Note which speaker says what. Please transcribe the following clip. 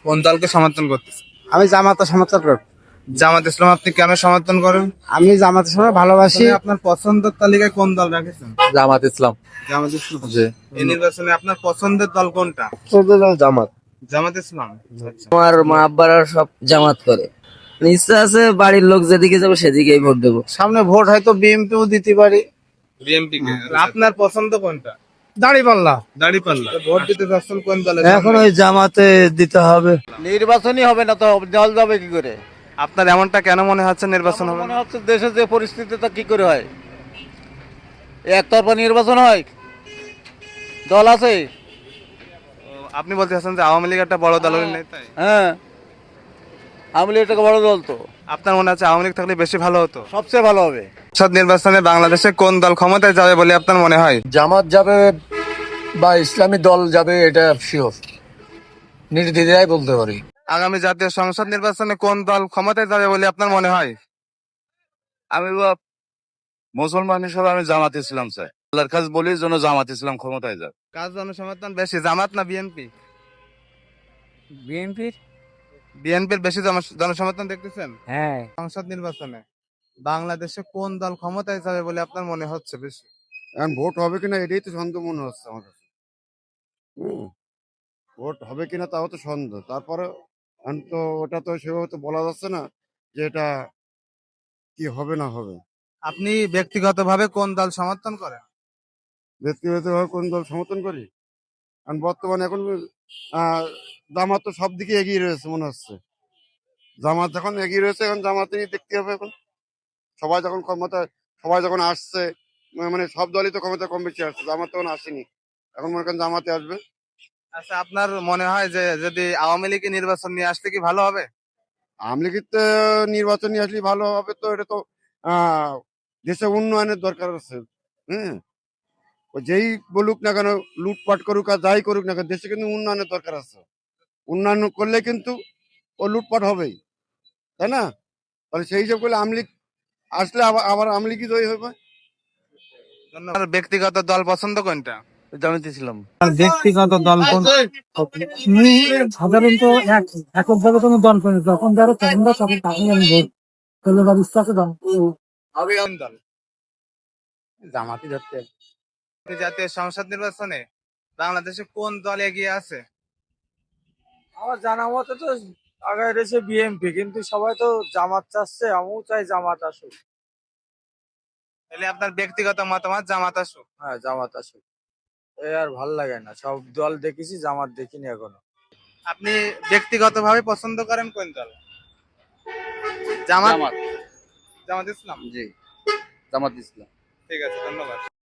Speaker 1: কোন দলকে সমর্থন করতেছেন?
Speaker 2: আমি জামাতে সমর্থন করি।
Speaker 1: জামাত ইসলাম আপনি কেন সমর্থন করেন?
Speaker 2: আমি জামাতের সময় ভালোবাসি।
Speaker 1: আসলে আপনার পছন্দের তালিকায় কোন দল রাখেছেন?
Speaker 3: জামাত ইসলাম।
Speaker 1: জামাত ইসলাম।
Speaker 3: জি।
Speaker 1: এই নির্বাচনে আপনার পছন্দের দল কোনটা?
Speaker 2: জামাত।
Speaker 1: জামাত ইসলাম। আচ্ছা।
Speaker 4: আমার মা আব্বারা সব জামাত করে, ইচ্ছা আছে বাড়ির লোক যেদিকে যাবে সেদিকেই ভোট দেবো।
Speaker 2: সামনে ভোট হয়তো বিএনপিও দিতে পারি।
Speaker 1: বিএনপি কে। আপনার পছন্দ কোনটা?
Speaker 2: দাঁড়িপাল্লা।
Speaker 1: দাঁড়িপাল্লা। ভোট দিতে যাচ্ছেন কোন দলে?
Speaker 2: এখন ওই জামাতে দিতে হবে।
Speaker 5: নির্বাচনই হবে না তো দল যাবে কি করে?
Speaker 1: আপনার এমনটা কেন মনে হচ্ছে নির্বাচন হবে
Speaker 5: মনে
Speaker 1: না?
Speaker 5: হচ্ছে দেশের যে পরিস্থিতি তা কি করে হয়? একতরফা নির্বাচন হয়, দল আছে।
Speaker 1: আপনি বলতে চাচ্ছেন যে আওয়ামী লীগ একটা বড় দলের নেতাই?
Speaker 5: হ্যাঁ, আওয়ামী লীগ একটা বড় দল তো,
Speaker 1: আপনার মনে হচ্ছে আওয়ামী লীগ থাকলে বেশি ভালো হতো?
Speaker 5: সবচেয়ে ভালো হবে।
Speaker 1: সংসদ নির্বাচনে বাংলাদেশে কোন দল ক্ষমতায় যাবে বলে আপনার মনে হয়?
Speaker 3: জামাত যাবে বা ইসলামী দল যাবে, এটা শিওর, নির্দ্বিধায় বলতে পারি।
Speaker 1: আগামী জাতীয় সংসদ নির্বাচনে কোন দল ক্ষমতায় যাবে বলে আপনার মনে হয়?
Speaker 6: আমি মুসলমান হিসেবে আমি জামাত ইসলাম চাই। আল্লাহর কাছে বলি যেন জামাত ইসলাম ক্ষমতায় যাক।
Speaker 1: কার জনসমর্থন বেশি, জামাত না বিএনপি?
Speaker 2: বিএনপির।
Speaker 1: বিএনপির বেশি জনসমর্থন দেখতেছেন
Speaker 2: হ্যাঁ।
Speaker 1: সংসদ নির্বাচনে বাংলাদেশে কোন দল ক্ষমতায় যাবে বলে আপনার মনে হচ্ছে বেশি?
Speaker 7: এখন ভোট হবে কিনা এটাই তো সন্দেহ মনে হচ্ছে আমার কাছে। ভোট হবে কিনা তাও তো সন্দেহ। তারপরে এখন তো ওটা তো সেভাবে তো বলা যাচ্ছে না যে এটা কি হবে না হবে।
Speaker 1: আপনি ব্যক্তিগতভাবে কোন দল সমর্থন করেন?
Speaker 7: ব্যক্তিগতভাবে কোন দল সমর্থন করি? কারণ বর্তমানে এখন জামাত তো সব দিকে এগিয়ে রয়েছে মনে হচ্ছে। জামাত যখন এগিয়ে রয়েছে এখন জামাতেই দেখতে হবে। এখন সবাই যখন ক্ষমতায়, সবাই যখন আসছে, মানে সব দলই তো ক্ষমতা কম বেশি আসছে, জামাত তখন আসেনি। এখন মনে করেন জামাতে আসবে।
Speaker 1: আচ্ছা, আপনার মনে হয় যে যদি আওয়ামী লীগ নির্বাচন নিয়ে আসলে কি ভালো হবে?
Speaker 7: আওয়ামী লীগের তো নির্বাচন নিয়ে আসলে ভালো হবে। তো এটা তো দেশে উন্নয়নের দরকার আছে। হ্যাঁ, ও যেই বলুক না কেন, লুটপাট করুক আর যাই করুক না কেন, দেশে কিন্তু উন্নয়নের দরকার আছে। উন্নয়ন করলে কিন্তু ও লুটপাট হবেই, তাই না? তাহলে সেই হিসাব করলে আওয়ামী লীগ আসলে আবার আবার আওয়ামী লীগই জয়ী হবে।
Speaker 1: আপনার ব্যক্তিগত দল পছন্দ কোনটা?
Speaker 5: জামাত ইসলাম।
Speaker 2: ব্যক্তিগত দল কোন? সাধারণত এককভাবে কোনো দল করে যখন যারা পছন্দ তখন তাকেই আমি ভোট করলে বা বিশ্বাসে দল।
Speaker 1: কোন দল?
Speaker 2: জামাতি ধরতে।
Speaker 1: জাতীয় সংসদ নির্বাচনে বাংলাদেশে কোন দল এগিয়ে আছে?
Speaker 5: আমার জানা মতে তো আগায় রয়েছে বিএনপি, কিন্তু সবাই তো জামাত চাচ্ছে, আমিও চাই জামাত আসুক।
Speaker 1: তাহলে আপনার ব্যক্তিগত মতামত জামাত আসুক?
Speaker 5: হ্যাঁ, জামাত আসুক। এই আর ভাল লাগে না, সব দল দেখেছি, জামাত দেখিনি এখনো।
Speaker 1: আপনি ব্যক্তিগতভাবে পছন্দ করেন কোন দল? জামাত। জামাত ইসলাম।
Speaker 3: জি, জামাত ইসলাম।
Speaker 1: ঠিক আছে, ধন্যবাদ।